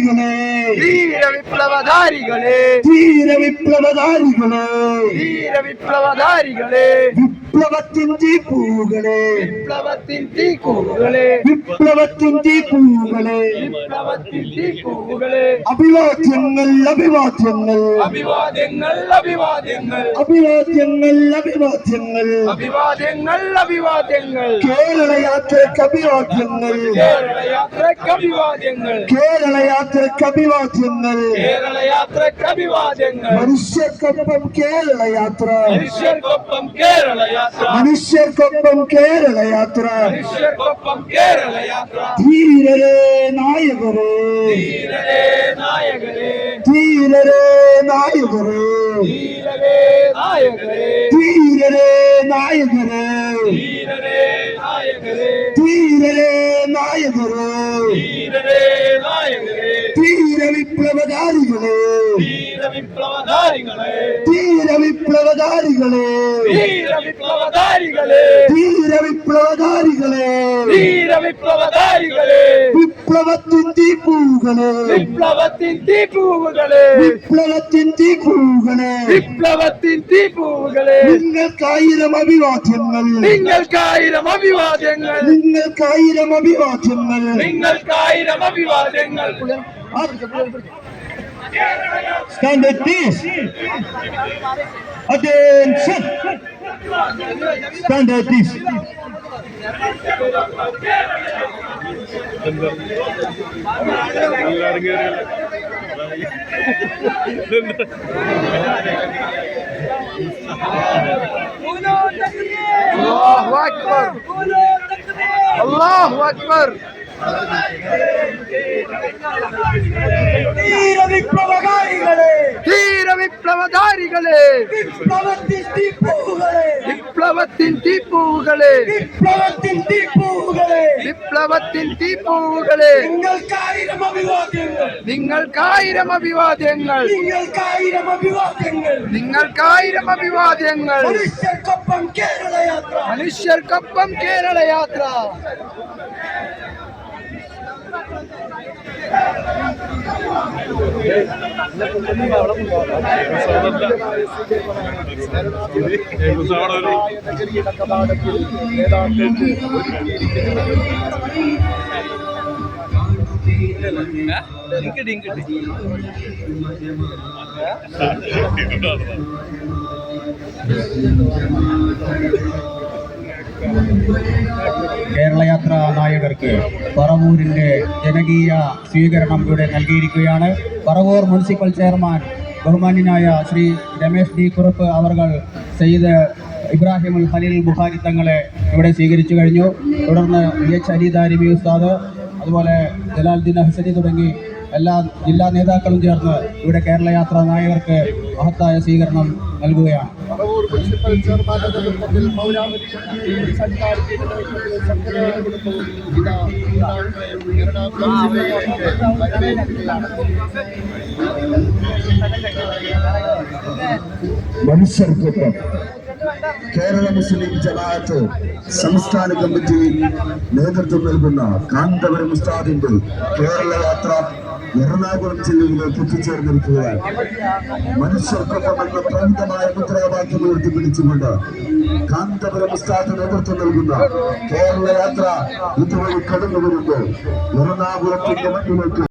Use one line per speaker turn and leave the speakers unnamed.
വിപ്ലവധാരികളെ
ധീര വിപ്ലവധാരികളെ
ധീര വിപ്ലവധാരികളെ
ധീര വിപ്ലവധാരികളെ
വിപ്ലവത്തിൻ തീപ്പൂകളെ
വിപ്ലവത്തിൻ തീക്കൂകളെ
വിപ്ലവത്തിൻ തീപ്പൂകളെ
വിപ്ലവത്തിൻ തീക്കൂകളെ
അഭിവാദ്യങ്ങൾ അഭിവാദ്യങ്ങൾ
അഭിവാദ്യങ്ങൾ അഭിവാദ്യങ്ങൾ
അഭിവാദ്യങ്ങൾ അഭിവാദ്യങ്ങൾ
അഭിവാദ്യങ്ങൾ അഭിവാദ്യങ്ങൾ
കേരള യാത്രയ്ക്ക് അഭിവാദ്യങ്ങൾ
കേരള യാത്രയ്ക്ക് അഭിവാദ്യങ്ങൾ
കേരള യാത്രയ്ക്ക് അഭിവാദ്യങ്ങൾ
കേരള യാത്രയ്ക്ക് അഭിവാദ്യങ്ങൾ
മനുഷ്യർക്കൊപ്പം കേരള യാത്ര
മനുഷ്യർക്കൊപ്പം കേരള യാത്ര
മനുഷ്യർക്കൊപ്പം കേരള യാത്ര
മനുഷ്യർക്കൊപ്പം കേരള യാത്ര
ധീരരേ നായകരേ
ധീരരേ നായകരേ
ധീരരേ നായകരേ
ധീരരേ നായകരേ
ധീരരേ നായകരേ
ധീരരേ നായകരേ
ധീരരേ നായകരേ
ധീരരേ നായകരേ
ധീര വിപ്ലവധാരികളെ
ധീര വിപ്ലവധാരികളെ
ധീര വിപ്ലവധാരികളെ
ധീര വിപ്ലവധാരികളെ
ധീര വിപ്ലവധാരികളെ
ധീര വിപ്ലവധാരികളെ
വിപ്ലവത്തിൻ തീപ്പൂകളെ
വിപ്ലവത്തിൻ തീപ്പൂവുകളെ
വിപ്ലവത്തിൻ തീപ്പൂകളെ
വിപ്ലവത്തിൻ തീപ്പൂവുകളെ
നിങ്ങൾക്കായിരം അഭിവാദ്യങ്ങൾ
നിങ്ങൾക്കായിരം അഭിവാദ്യങ്ങൾ
നിങ്ങൾക്കായിരം അഭിവാദ്യങ്ങൾ
നിങ്ങൾക്കായിരം അഭിവാദ്യങ്ങൾ
Stand at this. Attention. Stand at this.
Allahu Akbar. Allahu Akbar.
ധീര വിപ്ലവകാരികളെ
ധീര വിപ്ലവധാരികളെ
വിപ്ലവത്തിൻ തീപ്പൂകളെ
വിപ്ലവത്തിൻ തീപ്പൂവുകളെ
വിപ്ലവത്തിൻ തീപ്പൂകളെ
വിപ്ലവത്തിൻ തീപ്പൂവുകളെ
നിങ്ങൾക്കായിരം അഭിവാദ്യങ്ങൾ
നിങ്ങൾക്കായിരം അഭിവാദ്യങ്ങൾ
നിങ്ങൾക്കായിരം അഭിവാദ്യങ്ങൾ
നിങ്ങൾക്കായിരം അഭിവാദ്യങ്ങൾ
മനുഷ്യർക്കൊപ്പം കേരള യാത്ര
മനുഷ്യർക്കൊപ്പം കേരള യാത്ര
കേരളയാത്ര നായകർക്ക് പറവൂരിന്റെ ജനകീയ സ്വീകരണം ഇവിടെ നൽകിയിരിക്കുകയാണ്. പറവൂർ മുനിസിപ്പൽ ചെയർമാൻ ബഹുമാന്യനായ ശ്രീ രമേശ് ഡി കുറുപ്പ് അവർകൾ സെയ്ദ് ഇബ്രാഹിം ഖലീൽ ബുഖാരി തങ്ങളെ ഇവിടെ സ്വീകരിച്ചു കഴിഞ്ഞു. തുടർന്ന് EH അലി ദാരിമി ഉസ്താദ്, അതുപോലെ ജലാലുദ്ദീൻ ഹസനി തുടങ്ങി എല്ലാ ജില്ലാ നേതാക്കളും ചേർന്ന് ഇവിടെ കേരളയാത്ര നായകർക്ക് മഹത്തായ സ്വീകരണം നൽകുകയാണ്. മനുഷ്യർക്കൊപ്പം കേരള മുസ്ലിം ജമാഅത്ത് സംസ്ഥാന കമ്മിറ്റി നേതൃത്വം നൽകുന്ന കാന്തപുരം ഉസ്താദിന്റെ കേരള യാത്ര എറണാകുളം ജില്ലയിലേക്ക് എത്തിച്ചേർന്നിരിക്കുകയാണ്. മനുഷ്യർക്കൊപ്പം എന്ന പ്രമുഖമായ മുദ്രാവാക്യം ഉയർത്തിപ്പിടിച്ചുകൊണ്ട് കാന്തപുരം ഉസ്താദ് നേതൃത്വം നൽകുന്ന കേരള യാത്ര ഇതുവഴി കടന്നു വരുമ്പോൾ എറണാകുളത്തിന്റെ മണ്ണിലേക്ക്